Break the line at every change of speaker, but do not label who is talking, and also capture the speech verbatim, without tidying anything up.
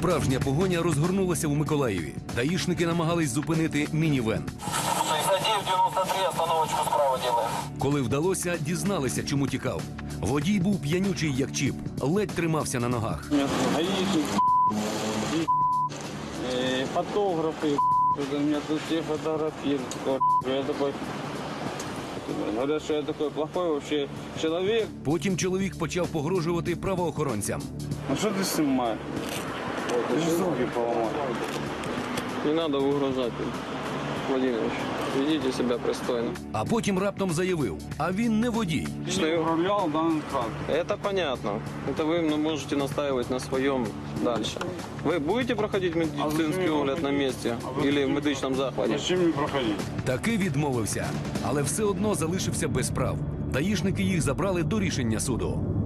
Справжня погоня розгорнулася у Миколаєві. Даїшники намагались зупинити мінівен.
шістдесят дев'ять дев'яносто три, остановочку справа делаем.
Коли вдалося, дізналися, чому тікав. Водій був п'янючий, як чіп, ледь тримався на ногах.
Гаишник, фотографы, меня тут все фотографируют. Я такой, говорят, что я такой плохой вообще человек.
Потім чоловік почав погрожувати правоохоронцям.
Ну что ты снимаешь? Ты же руки поломал.
Не надо угрожать, Владимирович. Ведите себя пристойно.
А потім раптом заявив, а він не водій.
Что я управлял данным транспортом.
Это понятно. Это вы ну, можете настаивать на своем дальше. Вы будете проходить медицинский огляд на месте или в медичном захвате?
Зачем мне проходить?
Таки відмовився, але все одно залишився без прав. Даїшники їх забрали до рішення суду.